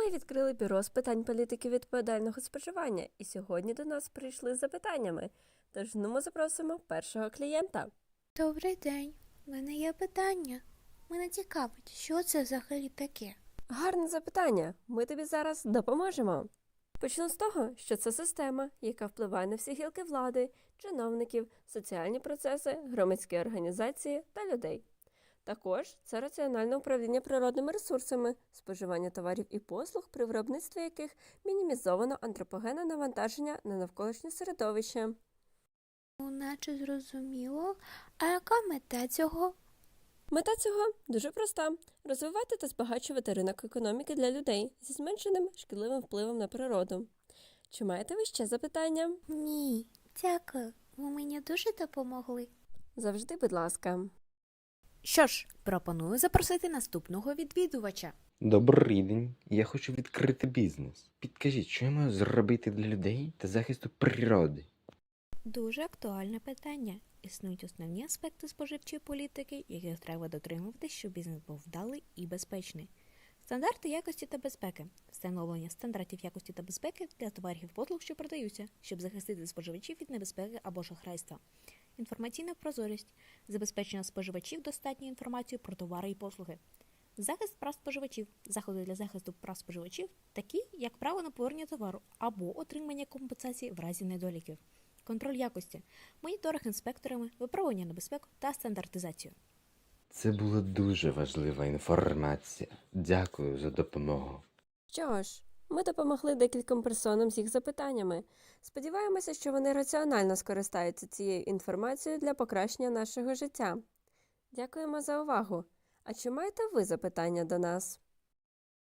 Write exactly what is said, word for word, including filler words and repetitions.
Ми відкрили бюро з питань політики відповідального споживання, і сьогодні до нас прийшли з запитаннями. Тож ну ми запросимо першого клієнта. Добрий день. У мене є питання. Мене цікавить, що це взагалі таке? Гарне запитання. Ми тобі зараз допоможемо. Почну з того, що це система, яка впливає на всі гілки влади, чиновників, соціальні процеси, громадські організації та людей. Також це раціональне управління природними ресурсами, споживання товарів і послуг, при виробництві яких мінімізовано антропогенне навантаження на навколишнє середовище. Ну, наче зрозуміло. А яка мета цього? Мета цього дуже проста – розвивати та збагачувати ринок економіки для людей зі зменшеним шкідливим впливом на природу. Чи маєте ви ще запитання? Ні, дякую. Ви мені дуже допомогли. Завжди, будь ласка. Що ж, пропоную запросити наступного відвідувача. Добрий день. Я хочу відкрити бізнес. Підкажіть, що я маю зробити для людей та захисту природи? Дуже актуальне питання. Існують основні аспекти споживчої політики, яких треба дотримуватись, щоб бізнес був вдалий і безпечний. Стандарти якості та безпеки. Встановлення стандартів якості та безпеки для товарів і послуг, що продаються, щоб захистити споживачів від небезпеки або шахрайства. Інформаційна прозорість. Забезпечення споживачів достатньою інформацією про товари і послуги. Захист прав споживачів. Заходи для захисту прав споживачів, такі як право на повернення товару або отримання компенсації в разі недоліків. Контроль якості. Моніторинг інспекторами, випробування на безпеку та стандартизацію. Це була дуже важлива інформація. Дякую за допомогу. Що ж, ми допомогли декільком персонам з їх запитаннями. Сподіваємося, що вони раціонально скористаються цією інформацією для покращення нашого життя. Дякуємо за увагу. А чи маєте ви запитання до нас?